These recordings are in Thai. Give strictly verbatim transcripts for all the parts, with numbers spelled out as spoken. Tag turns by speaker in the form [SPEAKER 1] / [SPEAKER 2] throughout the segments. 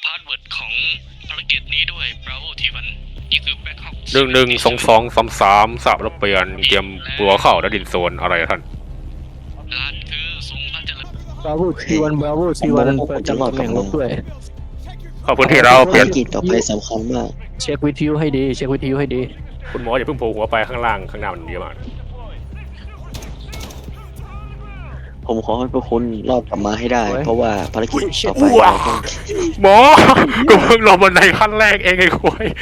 [SPEAKER 1] าสเวิร์ดของภารกิจนี้ด้วย Bravo ทีวันนี่คือแบ็คฮอก
[SPEAKER 2] หนึ่งหนึ่งสองสองสามสามสามรับเปลี่ยนเตรียมปัวเข้าและดินโซนอะไรท่าน
[SPEAKER 1] รหัสคือทรงพระเจริญ
[SPEAKER 3] บราโวทีวันบราโวทีวันประจำตำแหน่งรบด้วย
[SPEAKER 2] ขอบคุณที่เราเปลี่ยน
[SPEAKER 4] ภารกิจต่อไปสำคัญมาก
[SPEAKER 3] เช็ควิทยุให้ดีเช็ควิทยุให้ดี
[SPEAKER 2] คุณหมออย่าเพิ่งโผล่หัวไปข้างล่างข้างหน้ามันเยอะมาก
[SPEAKER 4] ผมขอให้พวกคุณรอดกลับมาให้ได้ เพราะว่าภารกิจต่อไป
[SPEAKER 2] ว้า
[SPEAKER 4] เราต้อง
[SPEAKER 2] หมอกูเพิ่งลงบันไดขั้นแรกเองไอ้ควาย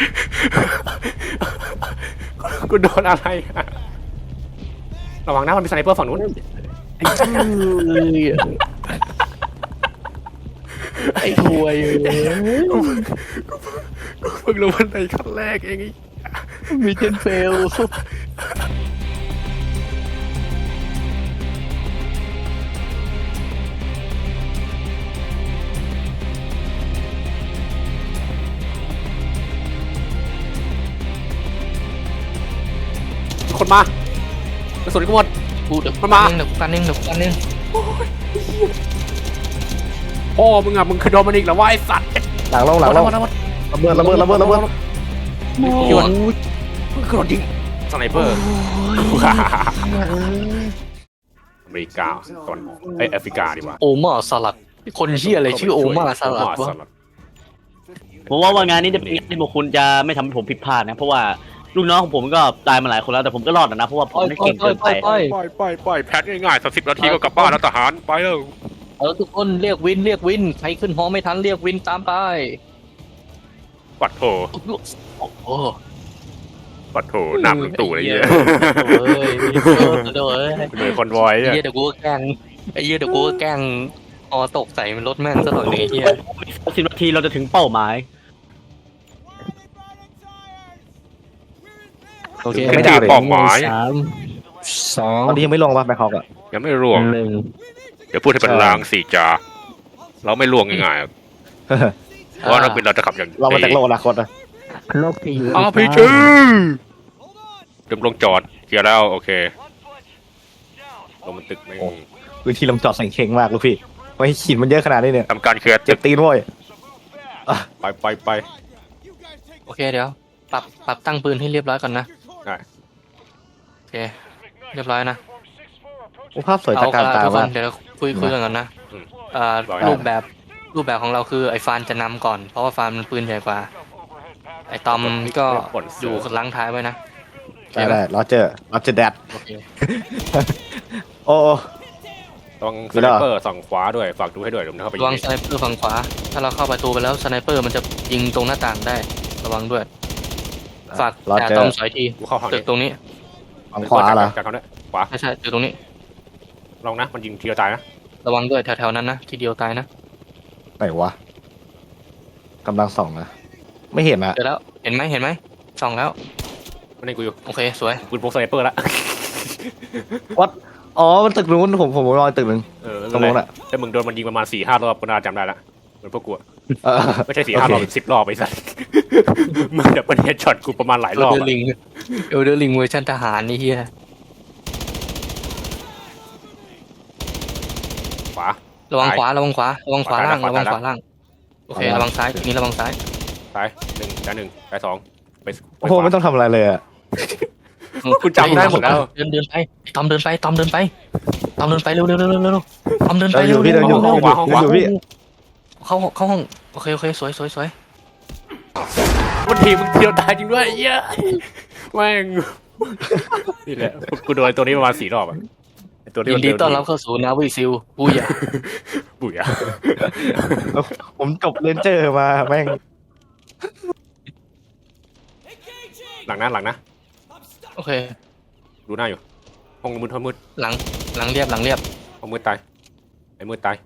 [SPEAKER 2] กูโดนอะไรอะระวังนะมันมีสไนเปอร์ฝั่งนู้น
[SPEAKER 3] ไอ้ช่วยไอ้ถวย
[SPEAKER 2] กูเพิ่งลงบันไดขั้นแรกเองไอ้
[SPEAKER 3] มีเทนเฟล
[SPEAKER 2] คนมากระสุนก็หมด
[SPEAKER 3] กูเดี๋ยว
[SPEAKER 2] มันมา
[SPEAKER 3] เดี๋ยวกันนึงเดี๋ยวกันนึง
[SPEAKER 2] พ่อมึงอะมึงคือโดมินิกเหรอวะไอ้สัตว์
[SPEAKER 5] หลังลงหลังลงระเบิดระเบิดระเบิดระเบิด
[SPEAKER 2] โยนมึงคือโดนยิงสไนเปอร์อเมริกาตอนไอแอฟริกาดีกว่า
[SPEAKER 3] โอมาสลัดคนเชี่ยอะไรชื่อโอมาสลัดวะ
[SPEAKER 6] ผมว่าว่างานนี้จะเป็นงานที่พวกคุณจะไม่ทำให้ผมผิดพลาดนะเพราะว่าลูกน้องของผมก็ตายมาหลายคนแล้วแต่ผมก็รอดนะเพราะว่าผมไม่เก่งเกินไป
[SPEAKER 2] ไปไปไปแพทง่ายๆสักสิบนาทีก็กลับบ้านแล้วทหารไปแล้ว
[SPEAKER 3] เออทุกคนเรียกวินเรียกวินใครขึ้นหอไม่ทันเรียกวินตามไป
[SPEAKER 2] ปัดโถ
[SPEAKER 3] โอ้โห
[SPEAKER 2] ปัดโถหน้ามึงตู่อะไรเงี้ย
[SPEAKER 3] เฮ้ยเดี๋ยวเอ้ย
[SPEAKER 2] เหมือนคนวอย
[SPEAKER 3] ไอ้
[SPEAKER 2] เนี่ย
[SPEAKER 3] เหี้ยเดี๋ยวกูก็แกล้งไอ้เหี้ยเดี๋ยวกูก็แกล้งออตกใส่มันรถแม่งซะหน่อยนึงไอ้เหี้ย
[SPEAKER 6] สิบนาทีเราจะถึงเป้าหมาย
[SPEAKER 3] โอเค
[SPEAKER 2] ไม่ได้เป้าหมาย
[SPEAKER 3] สามสอง
[SPEAKER 5] ตอนนี้ยังไม่ลงป่ะแบคฮอกอ่ะ
[SPEAKER 2] ยังไม่ร่วง
[SPEAKER 3] หนึ่ง
[SPEAKER 2] เดี๋ยวพูดให้เป็นลางสี่จาเราไม่ล่วงง่ายๆเพราะนักบินเราจะขับอย่าง
[SPEAKER 5] เรามาจากโลกอนาคตนะ
[SPEAKER 3] โลกที่อยู่
[SPEAKER 2] อาพีจีเดิมลงจอดเคลียร์แล้วโอเคลงมันตึกไม่
[SPEAKER 5] พื้นที่ลำจอดสังเข่งมากลูกพี่ไว้ขีดมันเยอะขนาดนี้เนี่ย
[SPEAKER 2] ทำการเคลียร์
[SPEAKER 5] เจ็
[SPEAKER 2] ตึ
[SPEAKER 5] บ
[SPEAKER 2] ก
[SPEAKER 5] ตีนโว้ย
[SPEAKER 2] ไปไปไป
[SPEAKER 3] โอเคเดี๋ยวปรับปรับตั้งปืนให้เรียบร้อยก่อนนะ
[SPEAKER 2] ได้
[SPEAKER 3] โอเคเรียบร้อยนะ
[SPEAKER 5] โอ้ภาพสวยตะการตา
[SPEAKER 3] ทุกค
[SPEAKER 5] มาน ก
[SPEAKER 3] เดี๋ยวเราคุยคุยกันก่อนนะอ่ารูปแบบรูปแบบของเราคือไอ้ฟานจะนำก่อนเพราะว่าฟานมันปืนใหญ่กว่าไอ้ตอมก็อยู่ล้างท้ายไว้นะ
[SPEAKER 5] ได้ได้รอเจอรอเจอแดด
[SPEAKER 3] โอเค
[SPEAKER 5] โอ้
[SPEAKER 2] ต้อง
[SPEAKER 5] ดู
[SPEAKER 2] ส
[SPEAKER 5] แล้
[SPEAKER 2] ไน
[SPEAKER 5] ว
[SPEAKER 2] เปอร์ส่องขวาด้วยฝากดูให้ด้วยเดี๋ยวผมเข้าไป
[SPEAKER 3] ระวังสไนเปอร์ฝั่งขวาถ้าเราเข้าประตูไปแล้วสไนเปอร์มันจะยิงตรงหน้าต่างได้ระวังด้วยฝาก
[SPEAKER 5] รอ
[SPEAKER 3] แต่
[SPEAKER 5] เจอ
[SPEAKER 3] ตอมสอยที
[SPEAKER 2] กูเข้าห้อง
[SPEAKER 3] ตึ
[SPEAKER 2] นี้
[SPEAKER 3] กตรงนี้
[SPEAKER 5] ฝั่งขวาเหรอ
[SPEAKER 2] จากเขาเนี่ยขวา
[SPEAKER 3] ไม่ใช่ตึกตรงนี้
[SPEAKER 2] ลองนะมันยิงทีเดียวตายนะ
[SPEAKER 3] ระวังด้วยแถวๆนั้นนะทีเดียวตายนะ
[SPEAKER 5] ไหนวะกำลังส่องนะไม่เห็นอะ
[SPEAKER 3] เจอแล้วเห็นไหมเห็นไหมส่องแล้ว
[SPEAKER 2] มันนี่กูอยู่
[SPEAKER 3] โอเคสวย
[SPEAKER 2] ปืนพกสไนเปอร์ละ
[SPEAKER 5] วัดอ๋อมันตึกนู้นผมผมรอตึกหนึ่ง
[SPEAKER 2] เออ
[SPEAKER 5] ตรงนู้นอะ
[SPEAKER 2] แต่มึงโดนมันยิงประมาณสี่ห้ารอบก็น่าจำได้ละเหมือนพวกกู
[SPEAKER 5] เออ
[SPEAKER 2] ไม่ใช่สี่ห้ารอบสิบรอบไปสัสมึงจะเป็นเฮดช็อตกูประมาณหลาย
[SPEAKER 3] เอ
[SPEAKER 2] ร
[SPEAKER 3] ล
[SPEAKER 2] อบ
[SPEAKER 3] เดอร์ลิงเอลเดอร์ลิงเวอร์ชันทหารนี่เฮีย
[SPEAKER 2] ขวา
[SPEAKER 3] ระวังขวาระวังขวาระวังขวาล่าง
[SPEAKER 2] ขวา
[SPEAKER 3] ระวัง
[SPEAKER 2] ขวา
[SPEAKER 3] ขวาล่างโอเคระวังซ้ายนี่ระวังซ้าย
[SPEAKER 2] ซ้ายหนึ่งซ้ายหนึ่งซ้ายสองไป
[SPEAKER 5] โอ้โหไม่ต้องทำอะไรเลยอะ
[SPEAKER 2] คุณจำได้หมดแล้ว
[SPEAKER 3] เดินเดินไปตอมเดินไปตอมเดินไปตอมเดินไปเร็วเร็วเร็วเร็วเร็วตอมเดินไป
[SPEAKER 5] เดินอ
[SPEAKER 3] เร็ว
[SPEAKER 5] ยู่พี่เดินอยู่
[SPEAKER 3] เร็ว
[SPEAKER 5] เดินอยู่เดินอยู่พี่
[SPEAKER 3] เข้าเข้าห้องโอเคโอเคสวยสวยสวย
[SPEAKER 2] วันทีมึงเที่ยวตายจริงด้วยเยอะแม่งนี่แหละกูโดนตัวนี้ประมาณสี่รอบอ่ะตัวนี้
[SPEAKER 3] ยิ
[SPEAKER 2] มัน
[SPEAKER 3] นดี
[SPEAKER 2] เดิน
[SPEAKER 3] ต้อนรับเข้าสู่นาวิซิลปุยอะ
[SPEAKER 2] บุ๋ยอะ
[SPEAKER 5] ผมจบเลนเจอร์มาแม่ง
[SPEAKER 2] หลังนะหลังนะ
[SPEAKER 3] โอเค
[SPEAKER 2] ดูหน้าอยู่ห้องมืดห้องมืด
[SPEAKER 3] หลังหลังเรียบหลังเรียบ
[SPEAKER 2] ห้องมืดตายไอ้มืดตาย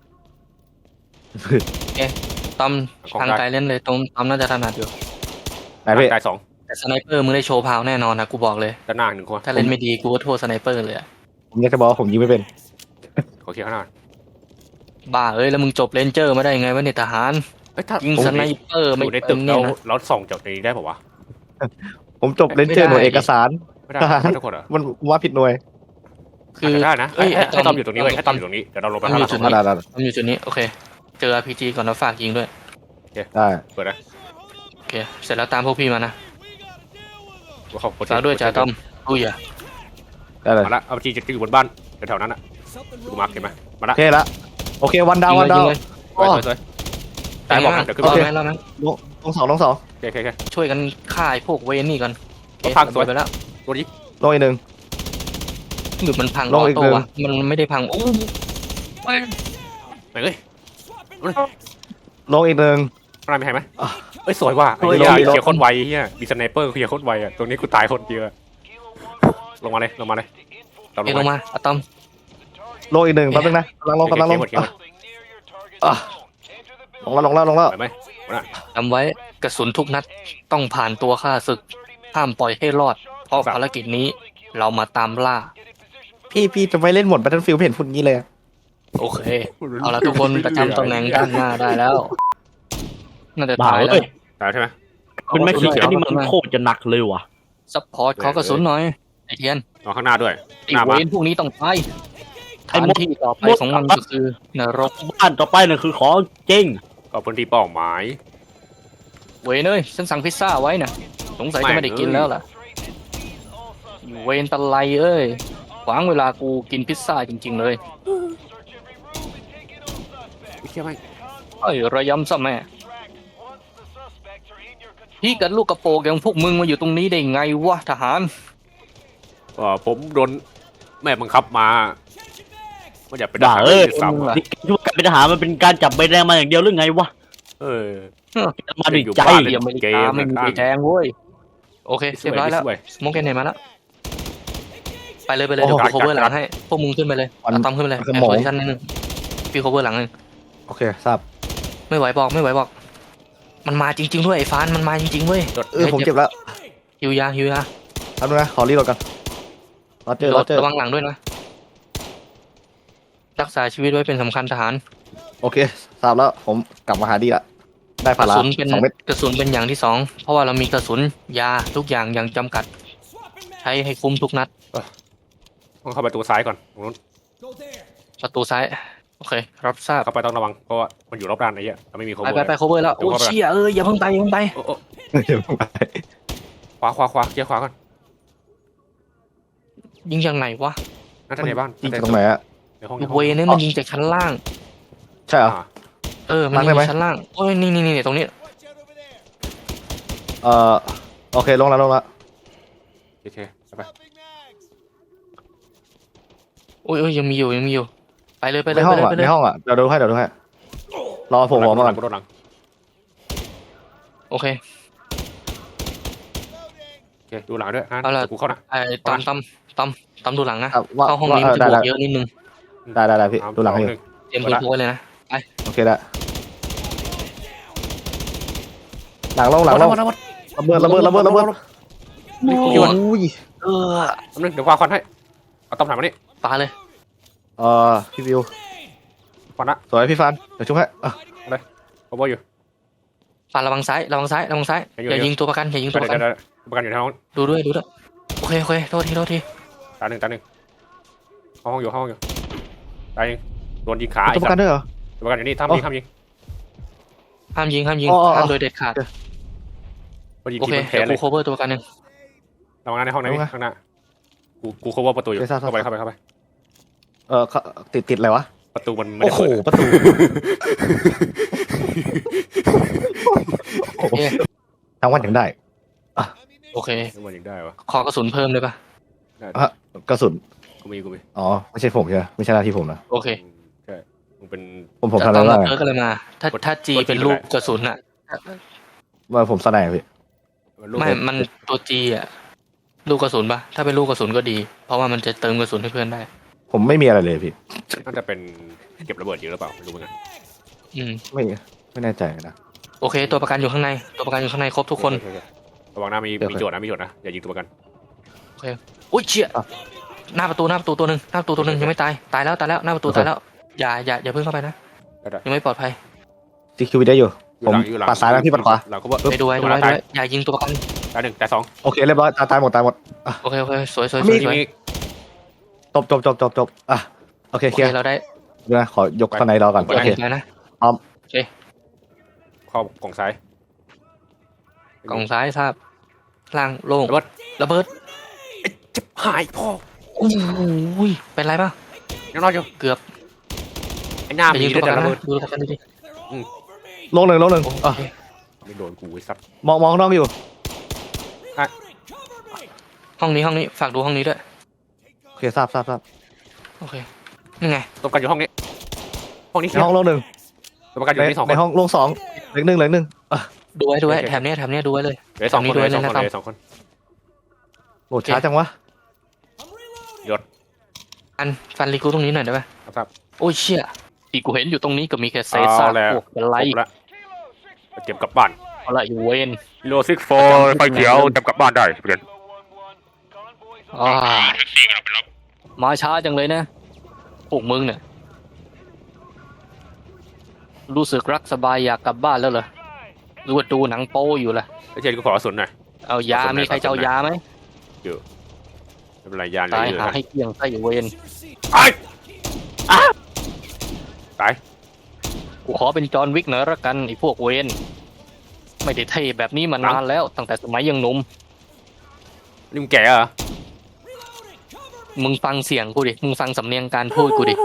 [SPEAKER 3] ตอม
[SPEAKER 2] ของ
[SPEAKER 3] ทาง
[SPEAKER 2] ได้
[SPEAKER 3] ไกลเล่นเลยตรงตอมน่าจะถนัดอยู่
[SPEAKER 5] ไหนพี่
[SPEAKER 2] ตายสอง
[SPEAKER 3] แต่สไนเปอร์มึงได้โชว์พาวแน่นอนนะกูบอกเลย
[SPEAKER 2] ด้านหน้าหนึ่งคน
[SPEAKER 3] ถ้าเล่นไม่ดีกูก็โทษสไนเปอร์เลยอะ
[SPEAKER 5] ผมอยากจะบอกว่าผมยิงไม่เป็น
[SPEAKER 2] ขอเคลียร์ข้างหน้า
[SPEAKER 3] บ้าเอ้ยแล้วมึงจบเลนเจอร์มาได้ไงวะเนี่ยทหาร
[SPEAKER 2] เอ้ยถ้า
[SPEAKER 3] ยิงสไนเปอร์
[SPEAKER 2] อ
[SPEAKER 3] ไม่
[SPEAKER 2] ยู่ใน
[SPEAKER 3] เป็
[SPEAKER 2] ตึ
[SPEAKER 3] น
[SPEAKER 2] ก
[SPEAKER 3] เนี่
[SPEAKER 2] แล้
[SPEAKER 3] ยว นะ
[SPEAKER 2] เราส่องจากในนี้ได้ป่าวะ
[SPEAKER 5] ผมจบเลนเจอร์หน่วยเอกสาร
[SPEAKER 2] ไม่ได้
[SPEAKER 5] ทหาร
[SPEAKER 2] ไม่ทุกคนเหรอ
[SPEAKER 5] มันว่าผิดหน่วย
[SPEAKER 3] คือ
[SPEAKER 2] อาจจะได้นะ
[SPEAKER 3] เอ้ย
[SPEAKER 2] ให้
[SPEAKER 3] ไอ้
[SPEAKER 2] ให้
[SPEAKER 3] ต
[SPEAKER 2] ต
[SPEAKER 3] อ
[SPEAKER 2] อ
[SPEAKER 3] ม
[SPEAKER 2] มอยู่ตรงนี้เว้ยให้ตอมอยู่ตรงนี้เดี๋ยวเราลงไป
[SPEAKER 3] ตอม
[SPEAKER 2] ข้าง
[SPEAKER 3] อยู่
[SPEAKER 2] ล่าง
[SPEAKER 3] จุดนี้
[SPEAKER 5] ได้ได้
[SPEAKER 3] ตอมอยู่จุดนี้โอเคเจอ อาร์ พี จี ก่อนแล้วฝากยิงด้วย
[SPEAKER 5] ได้
[SPEAKER 2] เปิดนะ
[SPEAKER 3] โอเคเสร็จแล้วตามพวกพี่มานะ
[SPEAKER 2] กูเข้า
[SPEAKER 3] ฝากด้วยจ่าต้อมอุ้ยอ่ะ
[SPEAKER 5] ได้เลย
[SPEAKER 2] มาละเอาจีจะอยู่บนบ้านแถวๆนั้นอ่ะกูมาร์คเห็นไหมมา
[SPEAKER 5] โอ
[SPEAKER 2] ละ
[SPEAKER 5] เคละโอเควันดาววันดาว
[SPEAKER 3] ยิงเลย
[SPEAKER 2] สวยสวยตายบอกนะเดี๋ยวขึ้น
[SPEAKER 3] รอ
[SPEAKER 2] มา
[SPEAKER 3] ไหมรอไหม
[SPEAKER 5] ลงลงสองลงสอง
[SPEAKER 2] โอเคโอเคโอเค
[SPEAKER 3] ช่วยกันฆ่าไอ้พวกเวนนี่ก่อน
[SPEAKER 2] ก็พังสวย
[SPEAKER 3] ไปแล้ว
[SPEAKER 2] ตัวนี้
[SPEAKER 5] ลงอีกหนึ่ง
[SPEAKER 3] หรือมันพัง
[SPEAKER 5] ล
[SPEAKER 3] อง อ
[SPEAKER 5] อีก
[SPEAKER 3] โต้
[SPEAKER 5] หนึ่ง
[SPEAKER 3] วะมันไม่ได้พังโอ้ย
[SPEAKER 2] ไหนเอ้ย
[SPEAKER 5] ลงอีกหนึ่ง
[SPEAKER 2] ข้างในมีใครไหม
[SPEAKER 5] อ่ะ
[SPEAKER 2] เอ้ยสวยว่ะไอ้
[SPEAKER 5] โอ้ย
[SPEAKER 2] เหี้ย
[SPEAKER 5] ลงอีก
[SPEAKER 2] เคลียร์โคตรไวเฮียมีสไนเปอร์เคลียร์โคตรไวอ่ะตรงนี้กูตายคนเดียวอะลงมาเลยลงมาเลยเราล
[SPEAKER 3] เอ้ย
[SPEAKER 2] ง
[SPEAKER 3] ลง
[SPEAKER 2] มา
[SPEAKER 3] มาอะตอม
[SPEAKER 5] ลงอีกหนึ่งแป๊บนึงนะกำลังลงกำลังลง
[SPEAKER 2] เคลียร์หมดเคลียร์หมด
[SPEAKER 5] อ่ะลงแล้วลงแล้วลงแล้ว
[SPEAKER 2] ไปไหมหมดละ
[SPEAKER 3] จำไว้กระสุนทุกนัดต้องผ่านตัวข้าศึกห้ามปล่อยให้รอด เพราะภารกิจนี้เรามาตามล่า
[SPEAKER 5] พี่พี่จะไม่เล่นหมด Battlefield เห็นฝุ่นงี้เลยอะ
[SPEAKER 3] โอเค เอาละทุกคนประจำตำแหน่งด้านหน้าได้แล้ว น่าจะ
[SPEAKER 6] บ้า
[SPEAKER 3] ตายแล้ว
[SPEAKER 6] เอ้ย
[SPEAKER 2] ตายใช่ไหม
[SPEAKER 6] เป็นแม็กซี่นี่มันโคตรจะหนักเลยว่ะ
[SPEAKER 3] ซัพพอร์ตขอกระสุนหน่อย ไอเทียน
[SPEAKER 2] นอนข้างหน้าด้วย
[SPEAKER 3] ไอ
[SPEAKER 2] หน้า
[SPEAKER 3] เว
[SPEAKER 2] บ้าน
[SPEAKER 3] นพวกนี้ต้องไป
[SPEAKER 6] ไอ้
[SPEAKER 3] ฐาน
[SPEAKER 6] มด
[SPEAKER 3] ที่ต่อไป
[SPEAKER 6] มด
[SPEAKER 3] ของมันก็คือนรก
[SPEAKER 6] บ้านต่อไปน่ะคือของจริง
[SPEAKER 2] ก็พื้นที่เป้าหมาย
[SPEAKER 3] เวนเอ้ยฉันสั่งพิซซ่าไว้น่ะ สงสัยจะไม่ได้กินแล้วล่ะอยู่เวนตะไลเอ้ยขวางเวลากูกินพิซซ่าจริง ๆ เลย
[SPEAKER 2] ไม่เชื่อไหม
[SPEAKER 3] เอ้ยระยำซะแม่พี่กับลูกกระโปรงอย่างพวกมึงมาอยู่ตรงนี้ได้ไงวะทหาร
[SPEAKER 2] ก็ผมโดนแม่บังคับมาไม่อยากเป็นท
[SPEAKER 6] บ้า
[SPEAKER 2] หาร
[SPEAKER 6] เอ้ย
[SPEAKER 2] ด้วยซ้ำอะ
[SPEAKER 6] นี่คิดว่าการเป็นทหารมันเป็นการจับใบแดงมาอย่างเดียวหรือไงวะ
[SPEAKER 2] เออ
[SPEAKER 6] มาด้วยใจ
[SPEAKER 2] บ้าน
[SPEAKER 3] เดียอเมริกาไม่มีใบแดงเว้ยโอเคเรียบร้อยแล้ว
[SPEAKER 2] สวย
[SPEAKER 3] สโมกเกนเห็นมาแล้วไปเลยไปเลยเดี๋ยวกูโคเวอร์หลังให้พวกมึงขึ้นไปเลยเอาตอมขึ้นไปเลยไอ้โพซิชั่นนิดนึงพี่โคเวอร์หลังนึง
[SPEAKER 5] โอเคทราบ
[SPEAKER 3] ไม่ไหวบอกไม่ไหวบอก มันมาจริง ๆ ด้วยไอ้ฟานมันมาจริงๆเว้ย
[SPEAKER 5] เออผมเจ็บแล้ว
[SPEAKER 3] ฮิวยาฮิวยา
[SPEAKER 5] แป๊บนึงนะขอรีโหลดกันรอเจอรอเจอ
[SPEAKER 3] ระวังหลังด้วยนะรักษาชีวิตไว้เป็นสำคัญทหาร
[SPEAKER 5] โอเคทราบแล้วผมกลับมาหาดีละได้
[SPEAKER 3] ก
[SPEAKER 5] พา
[SPEAKER 3] ระ
[SPEAKER 5] รา
[SPEAKER 3] สุนเป็น
[SPEAKER 5] สองเม็ด
[SPEAKER 3] กระสุนเป็นอย่างที่สองเพราะว่าเรามีกระสุนยาทุกอย่างอย่างจำกัด ใช้ให้คุ้มทุกนัด
[SPEAKER 2] ต้องเข้าประตูซ้ายก่อนตรงนู้น
[SPEAKER 3] ประตูซ้ายโอเครับทราบ
[SPEAKER 2] เข้าไปต้องระวังเพราะว่ามันอยู่รอบด้านไอ้เหี้ยเราไม่มีโค
[SPEAKER 3] ไป
[SPEAKER 2] เวอร์
[SPEAKER 3] ไปไปโคเวอร์แล้วโอ้เชี่ยเอ้ยอย่าเพิ่งไปอย่าเพิ่งไป
[SPEAKER 2] โอ้โอ้
[SPEAKER 5] เดี๋ยวผมไป
[SPEAKER 2] ขวาขวาขวาเคลียร์ขวาก่อน
[SPEAKER 3] ยิงจากไหนวะ
[SPEAKER 2] น่าจะในบ้าน
[SPEAKER 5] ยิงจากตรงไหนอะ
[SPEAKER 2] ในห้อง
[SPEAKER 3] เวนี่มันยิงจากชั้นล่าง
[SPEAKER 5] ใช่เหรอ
[SPEAKER 2] อ่า
[SPEAKER 3] เออมัน
[SPEAKER 5] ล่าง
[SPEAKER 3] ยิ
[SPEAKER 5] ได้
[SPEAKER 3] ง
[SPEAKER 5] ไหม
[SPEAKER 3] จากชั้นล่างโอ้ยนี่นี่นี่ตรงนี้
[SPEAKER 5] เอ่อโอเคลงแล้วลงแล้ว
[SPEAKER 2] โอเคไป
[SPEAKER 3] โอ้ยโอ้ยยังมีอยู่ยังมีอยู่ไปเลยไปเล
[SPEAKER 5] ใน
[SPEAKER 3] ย
[SPEAKER 5] ห้
[SPEAKER 3] ไป
[SPEAKER 5] อง
[SPEAKER 3] เลย
[SPEAKER 5] อ่ะ
[SPEAKER 3] ไปเล
[SPEAKER 5] ใน
[SPEAKER 3] ย
[SPEAKER 5] ห้องอ่ะเดี๋ยวดูให้เดี๋ยวดูให้รอผมหัวมาก่อน
[SPEAKER 2] กูโดนหลัง
[SPEAKER 3] โอเค
[SPEAKER 2] โอเคดูหลังด้วยฮะ
[SPEAKER 3] เอาล่ะ
[SPEAKER 2] กูเข้านะ
[SPEAKER 3] ไอ้ตอมตอมตอมตอมดูหลังนะ
[SPEAKER 5] อ่ะว่า
[SPEAKER 3] เข้าห้อง
[SPEAKER 5] ว่า
[SPEAKER 3] นี้
[SPEAKER 5] เอ
[SPEAKER 3] มัน
[SPEAKER 5] อ
[SPEAKER 3] จะ
[SPEAKER 5] ได้
[SPEAKER 3] บว
[SPEAKER 5] ได้
[SPEAKER 3] กเยอะนิดนึง
[SPEAKER 5] ได้ได้ได้พี่ดูหลังให้อยู่
[SPEAKER 3] เตรียมพื้นพกไว้เลยนะ
[SPEAKER 5] โอเคได้หลังลงหลังลงระเบิดระเบิดระเบิดระเบิด
[SPEAKER 2] นี่กู
[SPEAKER 5] โอ
[SPEAKER 2] อยู่
[SPEAKER 5] ้ย
[SPEAKER 3] เออ
[SPEAKER 2] นึงเดี๋ยวควาควันให้เอาต้อมถามมานี่
[SPEAKER 3] ปาเลย
[SPEAKER 5] เอ่อพี่วิว
[SPEAKER 2] ควันละ
[SPEAKER 5] สวยพี่ฟันเดี๋ยวชุบให้อ่ะ
[SPEAKER 2] โคเวอร์อยู่
[SPEAKER 3] ปาระวังซ้ายระวังซ้ายระวังซ้าย
[SPEAKER 2] อยู่
[SPEAKER 3] อย่า
[SPEAKER 2] อยู่
[SPEAKER 3] ยิงตัวประกันอย่ายิงตัว
[SPEAKER 2] เดี๋
[SPEAKER 3] ป
[SPEAKER 2] ยว
[SPEAKER 3] ระกัน
[SPEAKER 2] เดี๋ยวประกันอยู่ในห้อง
[SPEAKER 3] ดูด้วยดูด้วยโอเคโอเคโทษทีโทษที
[SPEAKER 2] ตาหนึ่งตาหนึ่งห้องอยู่ห้องอยู่ตายโดนยิงขา
[SPEAKER 5] ตัวประกันด้วยเหรอ
[SPEAKER 2] ประกันอยู่นี่ทำยิงทำยิง
[SPEAKER 3] ห้ามยิงห้ามยิง
[SPEAKER 5] อ๋ออ๋อ
[SPEAKER 3] ห้ามโดยเด็ดขาด
[SPEAKER 2] มันยิง
[SPEAKER 3] โอ
[SPEAKER 2] ที
[SPEAKER 3] เค
[SPEAKER 2] มันแพ้
[SPEAKER 3] เดี๋ยว
[SPEAKER 2] เล
[SPEAKER 3] กู
[SPEAKER 2] ย
[SPEAKER 3] โคเวอร์ตัวประกันหนึ่ง
[SPEAKER 2] ระวังในห้องไหนข้างหน้ากูกูโคเวอร์ประตูอยู่เข้าไปเข้าไปเข้าไป
[SPEAKER 5] เออเขาติดติดอะไรวะ
[SPEAKER 2] ประตูมันไม่
[SPEAKER 5] โอ้
[SPEAKER 2] ได้
[SPEAKER 5] โห
[SPEAKER 2] เปิด
[SPEAKER 5] ประตู
[SPEAKER 3] โอเค
[SPEAKER 5] ทั้งวันถึงได้
[SPEAKER 3] โอเค
[SPEAKER 2] มันยังได้วะ
[SPEAKER 3] ขอกระสุนเพิ่มเลยปะ
[SPEAKER 5] อ่ะกระสุน
[SPEAKER 2] กูมีกูมี
[SPEAKER 5] อ๋อไม่ใช่ผมใช่ไหมไม่ใช่หน้าที่ผมนะ
[SPEAKER 3] โอเค
[SPEAKER 2] ใช่มึงเป็น
[SPEAKER 5] ผมผม
[SPEAKER 3] จะ
[SPEAKER 5] ทำอะไร
[SPEAKER 3] ต้อง
[SPEAKER 5] บ้า
[SPEAKER 3] รับ
[SPEAKER 5] ง
[SPEAKER 3] เพิร์กอะไรมา ถ้าถ้าจีเป็นลูกกระสุนอะ
[SPEAKER 5] ว่าผมสไนป์พี่
[SPEAKER 3] ไม่มันตัวจีอะลูกกระสุนปะถ้าเป็นลูกกระสุนก็ดี เพราะว่ามันจะเติมกระสุนให้เพื่อนได้
[SPEAKER 5] ผมไม่มีอะไรเลยพี่
[SPEAKER 2] น่าจะเป็นเก็บระเบิดเยอะหรือเปล่าไม่รู้เหมือนกัน
[SPEAKER 3] อืม
[SPEAKER 5] ไม่ไม่แน่ใจนะ
[SPEAKER 3] โอเค ตัวประกันอยู่ข้างใน ตัวประกันอยู่ข้างในครบทุกคน
[SPEAKER 2] ระวังหน้ามี
[SPEAKER 5] โอเค
[SPEAKER 2] มีโจทย์นะมีโจทย์นะอย่ายิงตัวประกัน
[SPEAKER 3] อุ้ยเชี่ย
[SPEAKER 5] อ่ะ
[SPEAKER 3] หน้าประตูหน้าประตูตัวหนึ่งหน้าประตูตัวหนึ่งยังไม่ตายตายแล้วตายแล้วหน้าประตู
[SPEAKER 5] โอเค
[SPEAKER 3] ตายแล้วอย่าอย่าอย่าเพิ่งเข้าไปนะ
[SPEAKER 2] ได้ได้
[SPEAKER 3] ยังไม่ปลอดภัย
[SPEAKER 5] ซีคิวได้อยู่
[SPEAKER 2] อยู่หลังอยู่หลัง
[SPEAKER 5] ปัดซ้ายนะพี่ปัดขวา
[SPEAKER 2] หลังเขาบอก
[SPEAKER 3] ไปดูไว้ดูไว้ดูไว้อย่ายิงตัวประกัน
[SPEAKER 2] ตายหนึ่งตายสอง
[SPEAKER 5] โอเคเรียบร้อยตายตายหมดตายหมด
[SPEAKER 3] โอเคโอเคสวยสวยส
[SPEAKER 2] มี
[SPEAKER 3] วยสวย
[SPEAKER 2] มี
[SPEAKER 5] จบจบจบจบจบอ่ะโอเค
[SPEAKER 3] โอ
[SPEAKER 5] เค
[SPEAKER 3] เค
[SPEAKER 5] ลียร์
[SPEAKER 3] เราได้
[SPEAKER 5] เดี๋ยวนะขอยกสไนรอก่อน
[SPEAKER 3] ตัว
[SPEAKER 5] โอ
[SPEAKER 3] อัน
[SPEAKER 5] เค
[SPEAKER 3] อีกแล้วนะ
[SPEAKER 2] ขเข้ากล่องซ้าย
[SPEAKER 3] กล่องซ้ายทราบล่างโล่ง
[SPEAKER 2] ระเบิด
[SPEAKER 3] ระเบิด
[SPEAKER 2] จะหายพ่อ
[SPEAKER 3] โอ้ยเป็นไรป่ะ
[SPEAKER 2] ยังรอดอยู่
[SPEAKER 3] เกือบ
[SPEAKER 2] ไอ้หน้า
[SPEAKER 3] ไป
[SPEAKER 2] มี
[SPEAKER 3] ยิง
[SPEAKER 2] ด้
[SPEAKER 3] ตัว
[SPEAKER 2] วย
[SPEAKER 3] ประ
[SPEAKER 2] แต่
[SPEAKER 3] กัน
[SPEAKER 2] ระเบิด
[SPEAKER 3] นะดูตัวประกันดิ
[SPEAKER 5] ลงหนึ่งลงหนึ่งอ่ะ
[SPEAKER 2] ไม่โดนกูไอ้สัตว์
[SPEAKER 5] มองมองข้างนอกอยู่
[SPEAKER 3] ห้องนี้ห้องนี้ฝากดูห้องนี้ด้วย
[SPEAKER 5] โอเคทราบทราบทราบ
[SPEAKER 3] โอเคนี่ไง
[SPEAKER 2] ตัวประกันอยู่ห้องนี้ห้องนี้
[SPEAKER 5] ใน
[SPEAKER 2] เคลีย
[SPEAKER 5] ห้อง
[SPEAKER 2] ร์
[SPEAKER 5] ลงหนึ่ง
[SPEAKER 2] ตัวประกันอยู่ที่สองค
[SPEAKER 5] ใน
[SPEAKER 2] น
[SPEAKER 5] ห้องลงสองเหลือหนึ่งเหลือหนึ่งอ่ะ
[SPEAKER 3] ดูไว้ดูไว้
[SPEAKER 2] โอเค
[SPEAKER 3] แถบเนี้ยแถบเนี้ยดูไว้เลย
[SPEAKER 2] เหลือสองคน
[SPEAKER 3] ตรงนี้
[SPEAKER 2] เหลือสอง
[SPEAKER 3] ด้วย
[SPEAKER 2] คน
[SPEAKER 3] นะ
[SPEAKER 2] เหลือสองคน
[SPEAKER 5] โหลดช้าจังวะ
[SPEAKER 3] อันฟันรีกูตรงนี้หน่อยได้ป่ะ
[SPEAKER 2] ครับ
[SPEAKER 3] โอ้ยเชี่ยที่กูเห็นอยู่ตรงนี้ก็มีแค่เศษซาก
[SPEAKER 2] เอาแล้ว
[SPEAKER 3] พวกอะไร
[SPEAKER 2] ครบละไปเก็บกลับบ้าน
[SPEAKER 3] อะไรอยู่เวน
[SPEAKER 2] โลซิกโฟไฟเขียวเก็บกลับบ้านได้เพื่อน
[SPEAKER 3] อ่า
[SPEAKER 1] แท็กซี่กำลังไปรับ
[SPEAKER 3] มาช้าจังเลยนะพวกมึงเนี่ยรู้สึกรักสบายอยากกลับบ้านแล้วเหรอหรือว่าดูหนังโป้อยู่ล่ะ
[SPEAKER 2] ไอ้เจนกูขอกระสุนหน่อย
[SPEAKER 3] เอายา
[SPEAKER 2] ขอบคุณนะ
[SPEAKER 3] มีใครจะเอายาไหม
[SPEAKER 2] ไม่เป็นไรยานเหล
[SPEAKER 3] ตาย
[SPEAKER 2] ยอยู่
[SPEAKER 3] หา
[SPEAKER 2] นะ
[SPEAKER 3] ให้เกลี้ยงใส่เวน
[SPEAKER 2] ตายอ่ะตาย
[SPEAKER 3] กูขอเป็นจอห์นวิกหน่อยละกันไอ้พวกเวนไม่ได้เท่แบบนี้มานานแล้วตั้งแต่สมัยยังหนุ่ม
[SPEAKER 2] นี่มึงแก่เหรอ
[SPEAKER 3] มึงฟังเสียงกูดิ มึงฟังสำเนียงการพูดกูดิ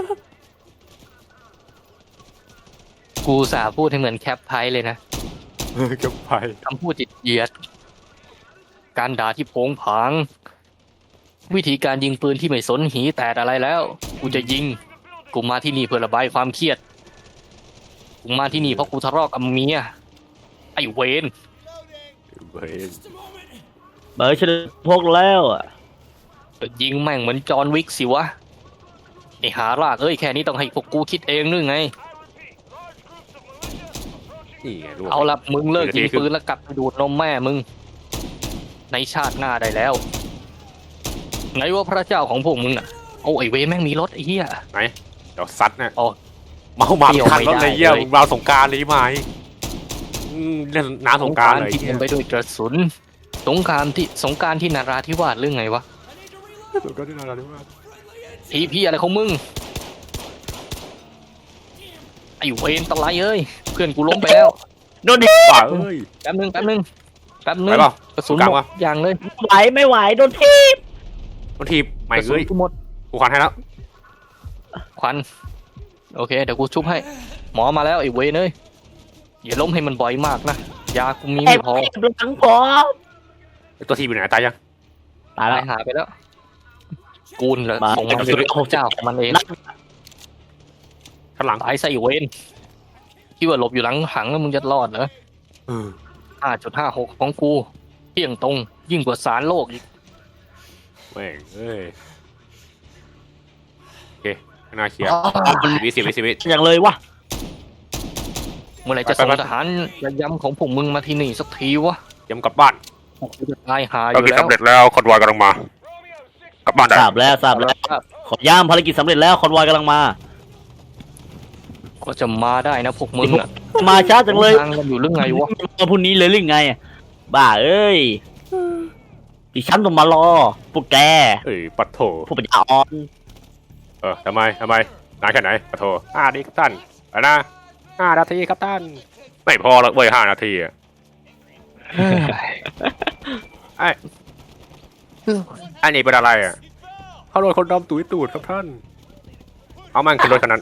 [SPEAKER 3] กูสาพูดให้เหมือนแคปไพเลยนะ
[SPEAKER 2] เก็บไป
[SPEAKER 3] คำพูดจิตเหยียด การด่าที่โผงผาง วิธีการยิงปืนที่ไม่สนหีแตกอะไรแล้ว กูจะยิง กูมาที่นี่เพื่อระบายความเครียด กูมาที่นี่เพราะกูทะเลาะกับเมีย ไอ้เวน
[SPEAKER 2] เว้ย
[SPEAKER 6] เบอร์ฉันพกแล้วอ่ะ
[SPEAKER 3] ยิงแม่งเหมือนจอห์นวิกสิวะ ไอ้หารากเอ้ยแค่นี้ต้องให้พวกกูคิดเองนึกไง
[SPEAKER 2] นี่ไงลูก
[SPEAKER 3] เอาละมึงเลิกยิง
[SPEAKER 2] เดี๋ยวที
[SPEAKER 3] ปืนแล้วกลับไปดูดนมแม่มึง ในชาติหน้าได้แล้วไงว่าพระเจ้าของพวกมึงน่ะโอ้ไอเวแม่งมีรถไอ้เหี้ย
[SPEAKER 2] ไหนเดี๋ยวซัดนะ
[SPEAKER 3] อ๋อ
[SPEAKER 2] เมาหมา
[SPEAKER 3] เที่ยว
[SPEAKER 2] คันรถ
[SPEAKER 3] ไม่ได้
[SPEAKER 2] เลยเยี่ย
[SPEAKER 3] เลย
[SPEAKER 2] มึงมาสงกรารเลยไหมอืมเล่นน้ำสงกรารเลย
[SPEAKER 3] ที่
[SPEAKER 2] เหี้
[SPEAKER 3] เต็
[SPEAKER 2] ย
[SPEAKER 3] มไปด้วยกระสุน สงครามที่สงกรารที่นาราธิวาสหรือไงวะ
[SPEAKER 2] สงกรารที่นาราธิวาส
[SPEAKER 3] ทีพี่อะไรของมึง ไอเวนตะไลเอ้ย เพื่อนกูล้มไปแล้ว
[SPEAKER 6] โดนดิ
[SPEAKER 2] ป่าเอ้ย
[SPEAKER 3] แป๊บนึงแป๊บนึงแป๊บนึ
[SPEAKER 2] ไป
[SPEAKER 3] ง
[SPEAKER 2] เปล่าก
[SPEAKER 3] ระสุน
[SPEAKER 2] กลาง
[SPEAKER 3] หม
[SPEAKER 2] วะ
[SPEAKER 3] ดอย่างเลย
[SPEAKER 6] ไหวไม่ไหวโดนที
[SPEAKER 2] บางทีใหม่
[SPEAKER 3] กระสุน
[SPEAKER 2] เอ้ย
[SPEAKER 3] กูหมด
[SPEAKER 2] กูขวัญให้แล้ว
[SPEAKER 3] ควันโอเคเดี๋ยวกูชุบให้ หมอมาแล้วไอ้เวนเอ้ยอย่าล้มให้มันบ่อยมากนะยากูมี
[SPEAKER 6] แอ
[SPEAKER 3] ไม่
[SPEAKER 6] บ
[SPEAKER 3] พอ
[SPEAKER 6] หลังพอ
[SPEAKER 2] ไอ้ตัวทีมอยู่ไหนตายยัง
[SPEAKER 6] ตาย
[SPEAKER 3] ตา
[SPEAKER 6] แล้
[SPEAKER 3] ยว หาไปแล้ว กูนเหรอ
[SPEAKER 6] มา
[SPEAKER 3] ส่งมันเป็นเจ้าของมันเอง
[SPEAKER 2] ข้างหลัง
[SPEAKER 3] ตายใส่เวนคิดว่าหลบอยู่หลังหังแล้วมึงจะรอดเหรอ
[SPEAKER 2] เออ
[SPEAKER 3] ห้าจุดห้าหกของกูเที่ยงตรง ยิ่งกว่าสารโลกอีก
[SPEAKER 2] แม่งเอ้ยโอเคข้างหน้าเคลียร์สิบวิสิบวิสิบวิ
[SPEAKER 6] อย่างเลยวะ
[SPEAKER 3] เมื่อไหรจะ
[SPEAKER 2] ไป
[SPEAKER 3] ส่ง
[SPEAKER 2] ไป
[SPEAKER 3] ทหารระยำของพวกมึงมาที่นี่สักทีวะ
[SPEAKER 2] ย้ำกลับบ้าน
[SPEAKER 3] กูจะตายหาอยู่แล้ว
[SPEAKER 2] สำเร็จแล้วคอนวอยกำลังมา กลับบ้านได้
[SPEAKER 6] ทราบแล้วทราบแล้ว ขอย่ามภารกิจสำเร็จแล้วคอนวอยกำลังมา
[SPEAKER 3] ก็จะมาได้นะพวกมึงอะ
[SPEAKER 6] มาช้าจังเลย
[SPEAKER 3] ทางกันอยู่เรื่องไงวะ
[SPEAKER 6] มาพรุ่งนี้เลยหรือไง บ้าเอ้ยดิฉันต้องมารอ พวกแก
[SPEAKER 2] เอ้ยปัดโถ
[SPEAKER 6] พวกปัญญาอ่อน
[SPEAKER 2] เออทำไมทำไมนานแค่ไหนปัดโถห้านาทีครับท่านไปนะห้านาทีครับท่านไม่พอหรอกเว้ยห้านาทีอะไอ้ไอ้นี่เป็นอะไรอ่ะเขาโดนคนดำตุ๋ยตูดครับท่าน เอามันขึ้นรถคันนั้น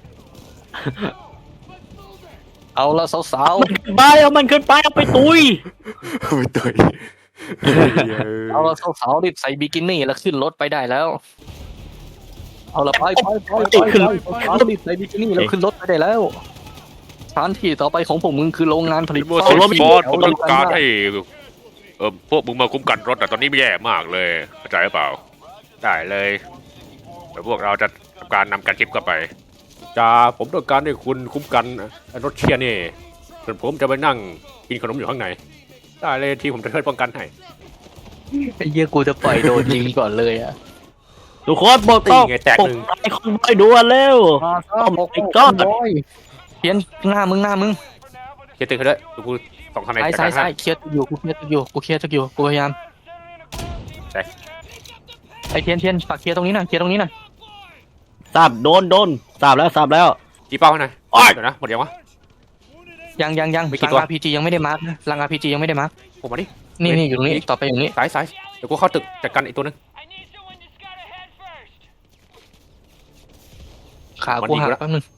[SPEAKER 3] เอาละสาว
[SPEAKER 6] ไปเอามันขึ้นไปเอาไปตุย
[SPEAKER 2] ไม่ตุ๋ย
[SPEAKER 3] ๆเอาละสาวๆรีบใส่บิกินี่แล้วขึ้นรถไปได้แล้ว เอาละไปไปไปไปไปสาวๆรีบใส่บิกินี่แล้วขึ้นรถไปได้แล้วสถานที่ต่อไปของผมมึงคือโรงงานผลิต
[SPEAKER 2] โมโซลบอสผมต้องการให้เออพวกมึงมาคุ้มกันรถแต่ตอนนี้ไม่แย่มากเลยเข้าใจหรือเปล่าได้เลยเดี๋ยวพวกเราจะทำการนำการชิปเข้าไปจ้าผมต้องการให้คุณคุ้มกันรถเชียร์นี่ส่วนผมจะไปนั่งกินขนมอยู่ข้างในได้เลยที่ผมจะช่วยป้องกันให้
[SPEAKER 3] ไอ้เหี้ยกูจะปล่อยโดนยิงก่อนเลยอ่ะ
[SPEAKER 6] ทุกคนบอกต้อง
[SPEAKER 2] นี่ไงแตก
[SPEAKER 6] ปลุ
[SPEAKER 2] หนึ่ง
[SPEAKER 6] ไอ้คนไปด่วนเร็ว
[SPEAKER 3] ปก
[SPEAKER 6] my god
[SPEAKER 3] เพี้ยนหน้ามึงหน้ามึง
[SPEAKER 2] เคลียร์ตึกให้ด้วยกูสองคะแนน
[SPEAKER 3] ซ้าย
[SPEAKER 2] จาก
[SPEAKER 3] ซ้าย
[SPEAKER 2] การ
[SPEAKER 3] ซ้า
[SPEAKER 2] ให้
[SPEAKER 3] ยเคลียร์ตึกอยู่กูเคลียร์ตึกอยู่กูเคลียร์ตึกอยู่กูพยายาม
[SPEAKER 2] ใช่
[SPEAKER 3] ไอ้เทียนเทียนฝากเคลียร์ตรงนี้หน่อยเคลียร์ตรงนี้หน่อย
[SPEAKER 6] ทราบโดนโดนทราบแล้วทราบแล้ว
[SPEAKER 2] จีเป้าให้หน่อยเดี๋ยวนะหมดยังวะ
[SPEAKER 3] ยังยังยัง
[SPEAKER 2] มีกี่
[SPEAKER 3] ลัง
[SPEAKER 2] ตัว
[SPEAKER 3] อาร์พีจียังไม่ได้มาร์กนะลังอาร์พีจียังไม่ได้มาร์ก
[SPEAKER 2] ผมมาดิ
[SPEAKER 3] นี่นี่อยู่ตรงนี้ต่อไปอยู่ตรงนี้
[SPEAKER 2] สายสายเดี๋ยวกูเข้าตึกจัดการอีกตัวนึง
[SPEAKER 3] ขากูหักแป๊บนึง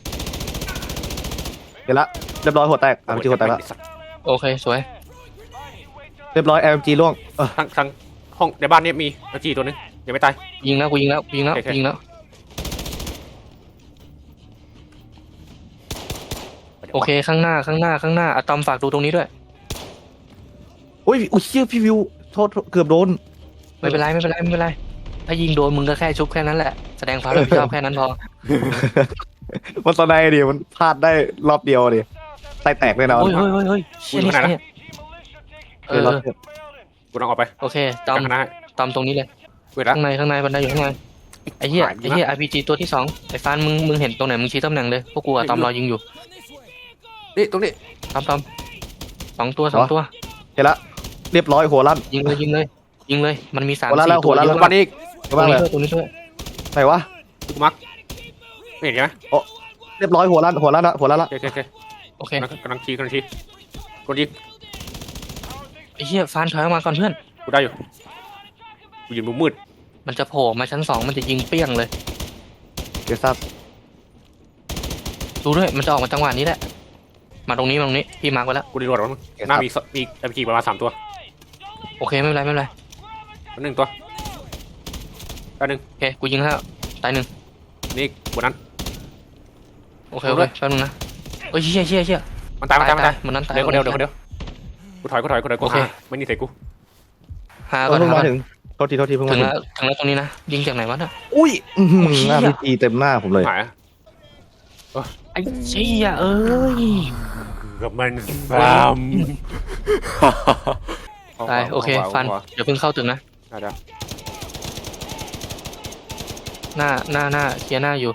[SPEAKER 5] เดี๋ยวละเรียบร้อยหัวแตก อาร์ พี จี หัวแตกแล้ว
[SPEAKER 3] โอเคสวย
[SPEAKER 5] เรียบร้อย เอ็ม จี ล่วงเออ
[SPEAKER 2] ทางทางห้องในบ้านนี้มีอาจีตัวนึงยังไม่ตาย
[SPEAKER 3] ยิงแล้วกูยิงแล้วกูยิงแล้ว
[SPEAKER 2] โอเค
[SPEAKER 3] กูยิงแล้ว โอเคข้างหน้าข้างหน้าข้างหน้าอะตอมฝากดูตรงนี้ด้วย
[SPEAKER 5] อุ้ยอุ้ยเชี่ยพี่วิวโทษโทษเกือบโดน
[SPEAKER 3] ไม่เป็นไรไม่เป็นไรไม่เป็นไรถ้ายิงโดนมึงก็แค่ชุบแค่นั้นแหละแสดงความรับผิดชอบแค่นั้นพอ
[SPEAKER 5] มันตอนไหนดิมันพลาดได้รอบเดียวดิไตแตกเลยนะ
[SPEAKER 3] เฮ้ยเฮ้ยเฮ้ยเฮ้ยเชี่ยนี่เชี่ยนี่เอ
[SPEAKER 5] เออ
[SPEAKER 3] อ
[SPEAKER 5] รอบเดียว
[SPEAKER 2] กูต้องออกไป
[SPEAKER 3] โอเคตอม
[SPEAKER 2] จากคณะ
[SPEAKER 3] ตอมตรงนี้เลย
[SPEAKER 2] เวลา
[SPEAKER 3] ข้างในข้างในบันไดอยู่ข้างในไอ้เหี้ย
[SPEAKER 2] หายไป
[SPEAKER 3] ไอ้เหี้ย อาร์ พี จี ตัวที่สองไอ้ฟานมึงมึงเห็นตรงไหนมึงชี้ตำแหน่งเลยพวกกูอะตอมรอยิงอยู่
[SPEAKER 2] นี่ตรงนี้
[SPEAKER 3] ตอมตอมสองตัวสองตัว
[SPEAKER 5] เห็นละเรียบร้อยหัวลั่น
[SPEAKER 3] ยิงเลยยิงเลยยิงเลยมันมีสาม
[SPEAKER 5] หัวละ
[SPEAKER 3] สี่
[SPEAKER 5] แล้ว
[SPEAKER 3] ตัว
[SPEAKER 5] หัวละ
[SPEAKER 3] เย
[SPEAKER 5] แล้ว
[SPEAKER 3] อะ
[SPEAKER 2] บ้านนี้อีก
[SPEAKER 5] เห็นบ้างเลย
[SPEAKER 3] ตัวนี้ด้วย
[SPEAKER 5] ไหนวะ
[SPEAKER 2] กูมักไม่เห็นใช่ไหม
[SPEAKER 5] เรียบร้อยหัวลั่นหัวลั่นละหัวลั่นละ
[SPEAKER 2] โอเคโอเค
[SPEAKER 3] โอเค
[SPEAKER 2] กำลังกำลังชี้กำลังชี้กดยิง
[SPEAKER 3] ไอ้เหี้ยฟานถอยออกมาก่อนเพื่อน
[SPEAKER 2] กูได้อยู่กูยืนมุมมืด
[SPEAKER 3] มันจะโผล่มาชั้นสองมันจะยิงเปี้ยงเลย
[SPEAKER 5] เดี๋ยวทราบ
[SPEAKER 3] ดูด้วยมันจะออกมาจังหวะนี้แหละมาตรงนี้มาตรงนี้พี่มาร์กไว้แล้ว
[SPEAKER 2] กูดีรวดแล้วมึงหน้ามีสมีเอ็มจีประมาณสามตัว
[SPEAKER 3] โอเคไม่เป็นไรไม่เป็นไร
[SPEAKER 2] อันหนึ่งตัวอันหนึ่ง
[SPEAKER 3] โอเคกูยิงแล้วตายหนึ่ง
[SPEAKER 2] นี่บนนั้น
[SPEAKER 3] โอเคโอเคแป๊บนึงนะโอ้ยเชี่ยเชี่ยเชี่ย
[SPEAKER 2] มันตายมันตายมันตาย
[SPEAKER 3] มันนั้นตาย
[SPEAKER 2] เดี๋ยวคนเดียวเดี๋ยวคนเดียวกูถอยกูถอยกูถอยกู
[SPEAKER 3] โอเค
[SPEAKER 2] หาไม่นี่ใส่กู
[SPEAKER 3] หา
[SPEAKER 5] เอ
[SPEAKER 3] ก่อ
[SPEAKER 5] อน เพิ่ง
[SPEAKER 3] หา
[SPEAKER 5] มา
[SPEAKER 3] ก่อน
[SPEAKER 5] ถึงโทษทีโทษทีเพิ่ง
[SPEAKER 3] ถึ
[SPEAKER 5] มาง ถึง
[SPEAKER 3] แล้วถึงแล้วตรงนี้นะยิงจากไหนวะน่ะ
[SPEAKER 5] อุ้ยอื้อหือ
[SPEAKER 3] โอ้ยเหี้ย
[SPEAKER 5] หน้าพีจีเต็มหน้าผมเลย
[SPEAKER 2] หาย
[SPEAKER 3] ไอ้เชี่ยเอ้ย
[SPEAKER 2] กับมันฟาม
[SPEAKER 3] ตายโอเคฟันเดี๋ยวเพิ่งเข้าตึกนะ
[SPEAKER 2] ได้ได้
[SPEAKER 3] หน้าหน้าหน้าเคลียร์หน้าอยู่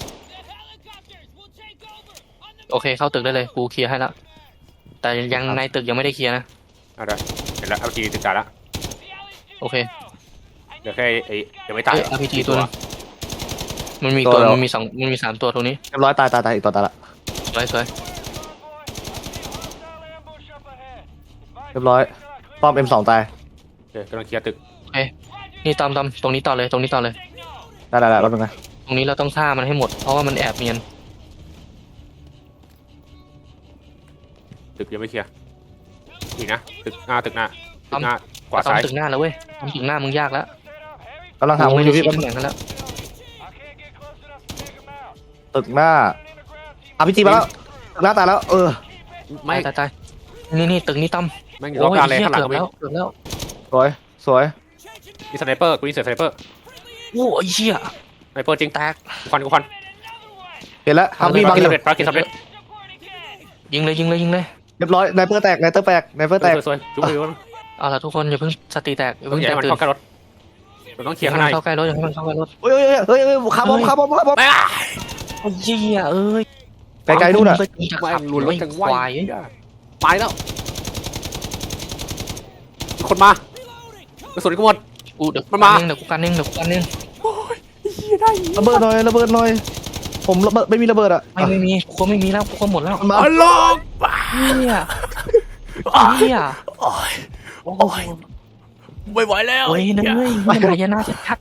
[SPEAKER 3] โอเคเข้าตึกได้เลยกูเคลียร์ให้แล้วแต่ยังในตึกยังไม่ได้เคลียร์นะ
[SPEAKER 2] ได้ได้เห็นแล้วเอาจีติดการแล้ว
[SPEAKER 3] โอเค
[SPEAKER 2] เดี๋ยวแค่ไอ้เดี๋ยวไม่ตาย
[SPEAKER 3] เอ้ย อาร์ พี จี ตัวนึงมันมีตัวมันมีสองมันมีสามตัวตรงนี้
[SPEAKER 5] เรียบร้อยตายตายตายอีกตัวตายละ
[SPEAKER 3] สวยสวย
[SPEAKER 5] เรียบร้อยป้อม เอ็ม สอง ตาย
[SPEAKER 2] โอเคกำลังเคลียร์ตึก
[SPEAKER 3] นี่ตอมตอมตรงนี้ต่อเลยตรงนี้ต่อเลย
[SPEAKER 5] ได้ได้ได้แป๊บนึงนะ
[SPEAKER 3] ตรงนี้เราต้องฆ่ามันให้หมดเพราะว่ามันแอบเนียน
[SPEAKER 2] ตึกยังไม่เคลียร์อีกนะตึกหน้าตึกหน้าตึกหน้าขวา
[SPEAKER 3] ตอม
[SPEAKER 2] ซ้าย
[SPEAKER 3] ตึกหน้าแล้วเว้ยตอมตึกหน้ามึงยากแล้ว
[SPEAKER 5] กำลังหามุม
[SPEAKER 3] ไม่
[SPEAKER 5] อ
[SPEAKER 3] ได้
[SPEAKER 5] ยู่พี่
[SPEAKER 3] ชี้
[SPEAKER 5] แป๊บนึง
[SPEAKER 3] ตำแหน่งกันแล้ว
[SPEAKER 5] ตึกหน้าอาร์ พี จี มาแล้วตึกหน้าตายแล้วเออ
[SPEAKER 2] ไม่
[SPEAKER 3] ตายตายตายนี่นี่ตึกนี้ตอม
[SPEAKER 2] แม่งล็อกการเลย
[SPEAKER 3] เหี้ย
[SPEAKER 2] ข้างหลัง
[SPEAKER 3] เกือบ
[SPEAKER 2] ก็มี
[SPEAKER 3] แล้วเกือบแล้ว
[SPEAKER 5] สวยสวย
[SPEAKER 2] มีสไนเปอร์กูยิงเสือสไนเปอร์
[SPEAKER 3] โอ้ยเชี่ย
[SPEAKER 2] สไนเปอร์จริง
[SPEAKER 3] แตก
[SPEAKER 2] กูควันกูควัน
[SPEAKER 5] เห็นแล้วฮัม
[SPEAKER 2] ภา
[SPEAKER 5] มี่บัง
[SPEAKER 2] รกิจ
[SPEAKER 5] อยู่
[SPEAKER 2] สำเร็จภารกิจสำเร็จ
[SPEAKER 3] ยิงเลยยิงเลยยิงเลย
[SPEAKER 5] เรียบร้อยไนเปอร์แตกไนเปอร์แตกไนเปอร์แตก
[SPEAKER 2] สวยๆจุ๊บไปวะ
[SPEAKER 3] เอาละทุกคนอย่าเพิ่งสติแตกอย่า
[SPEAKER 2] ต้อ
[SPEAKER 3] เพิ่
[SPEAKER 2] ง
[SPEAKER 3] ง
[SPEAKER 2] อย่า
[SPEAKER 3] แต
[SPEAKER 2] ให้
[SPEAKER 3] ก
[SPEAKER 2] มัน
[SPEAKER 3] ตื่น
[SPEAKER 2] เข้าใกล้รถเราต้องเคลี
[SPEAKER 3] อย
[SPEAKER 2] ร์
[SPEAKER 3] ย่า
[SPEAKER 2] ข้าง
[SPEAKER 3] ให้
[SPEAKER 2] ใน
[SPEAKER 3] มันเข้าใกล้รถอย่าให้มันเข้าใกล้รถ
[SPEAKER 5] เฮ้ยเฮ้ยเฮ้ยเฮ้ยเฮ้ยคาร์บอมคาร์บอมคาร์บอม
[SPEAKER 2] ไม่
[SPEAKER 3] โอ้ยเชี่ยเอ้ย
[SPEAKER 5] ไกลๆนู่นน่ะ
[SPEAKER 2] ไม่
[SPEAKER 3] ขับ
[SPEAKER 2] ลุนรถจัง
[SPEAKER 3] ควาย
[SPEAKER 2] ไปแล้วมีคนมากระสุนกูหมด
[SPEAKER 3] กูเดี๋ยว
[SPEAKER 2] มันมา
[SPEAKER 3] เดี๋ยวกูกันเองเดี๋ยวกูกันเอง
[SPEAKER 5] ระเบิดหน่อยระเบิดหน่อย ผมระเบิดไม่มีระเบิดอ่ะ
[SPEAKER 3] ไม่ไม่มีกูก็ไม่มีแล้วกูก็หมดแล้ว
[SPEAKER 5] มันมา
[SPEAKER 2] อัลลอฮ์
[SPEAKER 3] เฮียเฮีย
[SPEAKER 2] โอ้ย
[SPEAKER 3] โอ้
[SPEAKER 2] โอ้ยไม่ไหวแล้ว
[SPEAKER 3] โอ้ยนั่นเว้ยมันหายนะชัด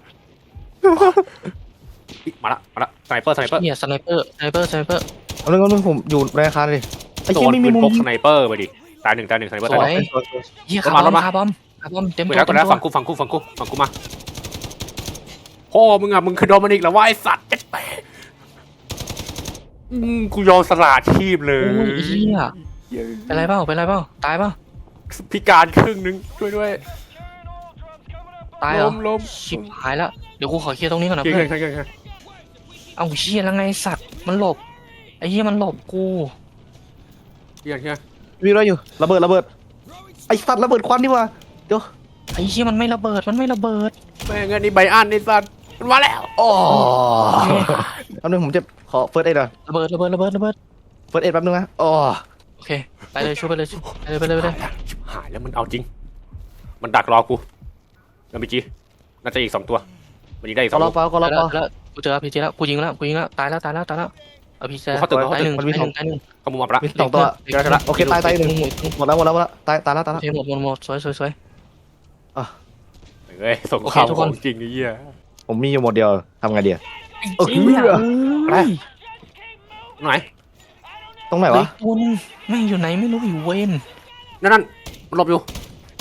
[SPEAKER 2] มาละมาละสไนเปอร์สไนเปอร์
[SPEAKER 3] เฮียสไนเปอร์สไนเปอร์สไนเปอร์
[SPEAKER 5] เอาเรื่องเอาเรื่องผมอยู่ในอาคารเลยไอ้
[SPEAKER 2] โด
[SPEAKER 5] เหี้ย
[SPEAKER 2] น
[SPEAKER 5] ไม่
[SPEAKER 2] ปื
[SPEAKER 5] มี
[SPEAKER 2] น
[SPEAKER 5] มุม
[SPEAKER 2] พก
[SPEAKER 5] ยิ
[SPEAKER 2] ส
[SPEAKER 5] ง
[SPEAKER 2] ไนเปอร์ไปดิตายหนึ่งตายหนึ่งสไนเปอร์ตายหนึ่ง
[SPEAKER 3] เฮีย
[SPEAKER 2] รถ
[SPEAKER 3] คาม
[SPEAKER 2] ารถ
[SPEAKER 3] บอม
[SPEAKER 2] มา
[SPEAKER 3] คาร์บอมคาร์บอมเต็ม
[SPEAKER 2] ไป
[SPEAKER 3] ตัว
[SPEAKER 2] แล้วไป
[SPEAKER 3] เต็ม
[SPEAKER 2] แล้ว
[SPEAKER 3] ตัว
[SPEAKER 2] ฝั่งกูฝั่งกูฝั่งกูฝั่งกูมาพ่อมึงอ่ะมึงคือโดมินิกเหรอวะไอสัตว์เจ็ดแปดอืมกูยอมสละชีพเล
[SPEAKER 3] โอ้
[SPEAKER 2] ย
[SPEAKER 3] ยเฮียเป็นไรเปล่าเป็นไรเปล่าตายเปล่า
[SPEAKER 2] พิการครึ่งนึงช่วยด้วย
[SPEAKER 3] ตายเหร
[SPEAKER 2] ล้
[SPEAKER 3] อ
[SPEAKER 2] มล้ม
[SPEAKER 3] ชิบหายแล้วเดี๋ยวกูขอเคลียร์ตรงนี้ก่อนนะ
[SPEAKER 2] เก่ง
[SPEAKER 3] เพื่อน
[SPEAKER 2] เก่งเก่งเก่ง
[SPEAKER 3] เอาเฮียแล้วไงสัตว์มันหลบไอ้เฮียมันหลบกู
[SPEAKER 2] เก่งเก่ง
[SPEAKER 5] มีอะไรอยู่ระเบิดระเบิดไอ้สัตว์ระเบิดควันนี่วะเดี๋ยว
[SPEAKER 3] ไอ้เฮียมันไม่ระเบิดมันไม่ระเบิด
[SPEAKER 2] แม่งอันนี้ใบอันไอสัตว์มันมาแล้ว
[SPEAKER 5] อ๋อแป๊บนึงผมจะขอเฟิร์สเอ็ดหน่อย
[SPEAKER 3] ระเบิดระเบิดระเบิดระเบิด
[SPEAKER 5] เฟิร์สเอ็ดแป๊บนึงนะอ๋อ
[SPEAKER 3] โอเคไปเลยช่วยไปเลยไปเลยไปเลยไปเลย
[SPEAKER 2] ชิบหายแล้วมันเอาจริง มันดักรอกูแล้วมีจีน่าจะอีกสองตัวมันยิงได้อีกส
[SPEAKER 5] ก็
[SPEAKER 2] อง
[SPEAKER 5] รอ
[SPEAKER 2] ลูก
[SPEAKER 5] เปล่าก็รอ
[SPEAKER 3] แล้
[SPEAKER 5] เป
[SPEAKER 3] ว
[SPEAKER 5] ล่า
[SPEAKER 3] แล้วกูเจอพีจีแล้วกูยิงแล้วกูยิงแล้วตายแล้วตายแล้วตายแล้วเอาพี่แซ่
[SPEAKER 2] เขาตึกเขาตึก
[SPEAKER 3] ตายหนึ่ง
[SPEAKER 5] มันมี
[SPEAKER 3] ตายห
[SPEAKER 5] สอ
[SPEAKER 3] นึ่
[SPEAKER 5] ง
[SPEAKER 3] งตายหนึ่ง
[SPEAKER 2] เขามุมอับละ
[SPEAKER 5] มีสองตัว
[SPEAKER 3] เดี๋ยว
[SPEAKER 5] เจอละโอเคตายตายหนึ่งหมดแล้วหมดแล้วหมดแล้วตายตายแล้วตาย
[SPEAKER 3] โอ
[SPEAKER 5] แล้ว
[SPEAKER 3] เคหมดหมดหมดสวยสวยสวย
[SPEAKER 2] เฮ้ยส่ง
[SPEAKER 3] โอเค
[SPEAKER 2] ข่าว
[SPEAKER 3] ทุก
[SPEAKER 2] ข
[SPEAKER 3] ค
[SPEAKER 2] อน งจริงไอ้เหี้ย
[SPEAKER 5] ผมมีอยู่หมดเดียวทำไงดีอะ เออ
[SPEAKER 3] จริงอะ
[SPEAKER 2] อะไร ไหน
[SPEAKER 5] ตรงไหน
[SPEAKER 3] เฮ้ยว
[SPEAKER 5] ะ
[SPEAKER 3] ตัวนึงแม่งอยู่ไหนไม่รู้อยู่เวน
[SPEAKER 2] นั่นนั่นมันหลบอยู่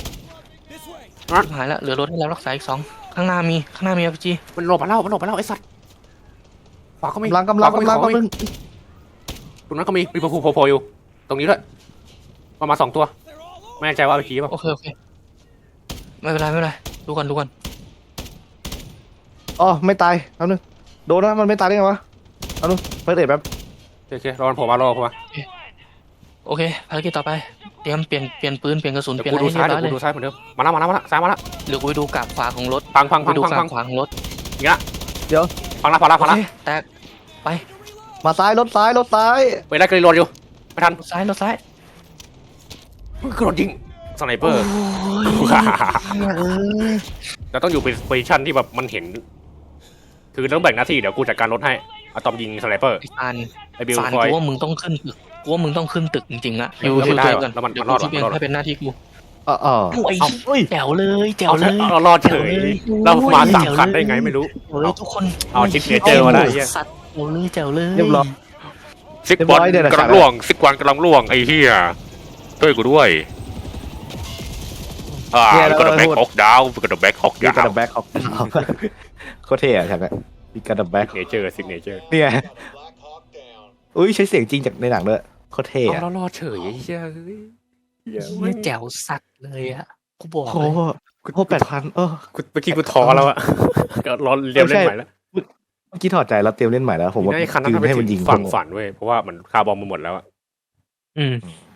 [SPEAKER 3] หายละเหลือรถให้แล้วรักษาอีกสองข้างหน้ามีข้างหน้ามีอาร์พีจี
[SPEAKER 2] มันหลบมาแล้วมันหลบมาแล้วไอ้สัตว์ขวาก็มี
[SPEAKER 5] กำลังกำลัง
[SPEAKER 2] ขวาก็มี
[SPEAKER 5] กำลัง
[SPEAKER 2] ขวาก็
[SPEAKER 5] กำลั
[SPEAKER 2] มี
[SPEAKER 5] ง
[SPEAKER 2] ตรงนั้นก็มีมีโผล่โผล่โผล่อยู่ ตรงนี้ด้วยประมาณสองตัวไม่แน่ใจว่าเอาไปขี่ป่ะ
[SPEAKER 3] โอเคโอเคไม่เป็นไรไม่เป็นไรดูก่อนดูก่อน
[SPEAKER 5] อ๋อไม่ตายแป๊บนึงโดนนะมันไม่ตายได้ไงวะเอาดูเปิดเอ็ดแป๊บ
[SPEAKER 2] โอเครอมันโผล่มารอผมมา
[SPEAKER 3] โอเคภารกิจต่อไปเตรียมเปลี่ยนเปลี่ยนปืนเปลี่ยนกระสุน
[SPEAKER 2] เดี๋
[SPEAKER 3] เป
[SPEAKER 2] ย
[SPEAKER 3] ลี่
[SPEAKER 2] วย
[SPEAKER 3] นอะไร
[SPEAKER 2] กูดู
[SPEAKER 3] ให้เรี
[SPEAKER 2] ซ้าย
[SPEAKER 3] ยบ
[SPEAKER 2] เดี๋
[SPEAKER 3] ร้
[SPEAKER 2] ย
[SPEAKER 3] อ
[SPEAKER 2] วย กูดูซ้ายเหมือนเดิมมาแล้วมาแล้วมาแล้วซ้ายมาแล้ว
[SPEAKER 3] เดี๋ยวกูไปดูกราบขวาของรถ
[SPEAKER 2] พังพัง
[SPEAKER 3] ไป
[SPEAKER 2] พัง
[SPEAKER 3] ดู
[SPEAKER 2] พัง
[SPEAKER 3] กรา
[SPEAKER 2] พั
[SPEAKER 3] บ
[SPEAKER 2] ง
[SPEAKER 3] ขวาของรถ
[SPEAKER 2] พังละพังละพัง
[SPEAKER 3] โอ
[SPEAKER 2] ละ
[SPEAKER 3] เคแตก
[SPEAKER 5] มาซ้ายรถซ้ายรถซ้าย
[SPEAKER 2] ไปไล่กระโดดอยู่ไม่ทัน
[SPEAKER 3] รถซ้ายรถซ้าย
[SPEAKER 2] กระโดดยิงสไนเปอร์ เราต้องอยู่เป็นโพซิชันที่แบบมันเห็น คือต้องแบ่งหน้าที่เดี๋ยวกูจัดการรถให้อะตอมยิงสไนเปอร์
[SPEAKER 3] ไอ้ฟาน
[SPEAKER 2] ไอบิล
[SPEAKER 3] ฟาน
[SPEAKER 2] คอย
[SPEAKER 3] กูว่ามึงต้องขึ้นตึกกูว่ามึงต้องขึ้นตึกจริงๆอะ
[SPEAKER 2] เดี๋ยว
[SPEAKER 3] อยู่
[SPEAKER 2] ไม่ได้
[SPEAKER 3] อยู่
[SPEAKER 2] หรอก
[SPEAKER 3] กัน
[SPEAKER 2] แล้วมัน
[SPEAKER 3] เดี๋ยว
[SPEAKER 2] มันรอด
[SPEAKER 3] กูที่
[SPEAKER 2] หรอ
[SPEAKER 3] เอง
[SPEAKER 2] มันรอด
[SPEAKER 3] ให้เป็นหน้าที่กู
[SPEAKER 5] เออเออ
[SPEAKER 3] โอ้ยแจ๋วเลยแจ๋ว
[SPEAKER 2] เอา
[SPEAKER 3] เลย
[SPEAKER 2] เอารอดเฉย เรามาสามคันได้ไงไม่รู้
[SPEAKER 3] เฮ้ยทุกคน
[SPEAKER 2] เอาชิปเนเจอร์มาได้เหี้ย
[SPEAKER 3] สัตว์แจ๋วเลยแจ๋วเลย
[SPEAKER 5] เรียบร้อย
[SPEAKER 2] ซิก
[SPEAKER 5] เรียบ
[SPEAKER 2] บ
[SPEAKER 5] ร้
[SPEAKER 2] อล
[SPEAKER 5] อยเดี๋ยวนะ
[SPEAKER 2] กำลังล่วงซิกวันกำลังล่วงไอ้เหี้ยช่วยกูด้วยอ่าก็ต้องแบ็คฮอกดาวก็ต้องแบ็คฮอก
[SPEAKER 5] มี
[SPEAKER 2] ดาก
[SPEAKER 5] ระ
[SPEAKER 2] ว
[SPEAKER 5] ดับแบ็คออกโคตรเท่อะใช่ไหมมีกระดับแบ็ค
[SPEAKER 2] เนเจอร์ซิกเนเจอร์
[SPEAKER 5] เนี่ยอุ้ยใช้เสียงจริงจากในหนังด้วยโคตรเท่
[SPEAKER 2] เอา
[SPEAKER 5] อะ
[SPEAKER 2] แล้วรอดเฉยไอ้เหี้ยเฮ้ยเหี้ย
[SPEAKER 3] เนี่ยแจ๋วสัตว์เลยอะกูบอก
[SPEAKER 5] โอ้
[SPEAKER 3] เลย
[SPEAKER 5] โหโอ้แปดพันเออ
[SPEAKER 2] กูเมื่อกี้กูท้อแล้วอะก็รอเรียนเล่นใหม่แล้ว
[SPEAKER 5] เมื่อกี้ถอดใจแล้วเตรียมเล่นใหม่แล้ว ผมว่า
[SPEAKER 2] ไอ้คันนั้น
[SPEAKER 5] คื
[SPEAKER 2] ทำ
[SPEAKER 5] น
[SPEAKER 2] ให้
[SPEAKER 5] ให้
[SPEAKER 2] มั
[SPEAKER 5] มัน น
[SPEAKER 2] ยิ
[SPEAKER 5] ยิ
[SPEAKER 2] ง
[SPEAKER 5] ง
[SPEAKER 2] ฝันฝันเว้ยเพราะว่ามันคาร์บอมมันหมดแล้วอะ
[SPEAKER 3] อืม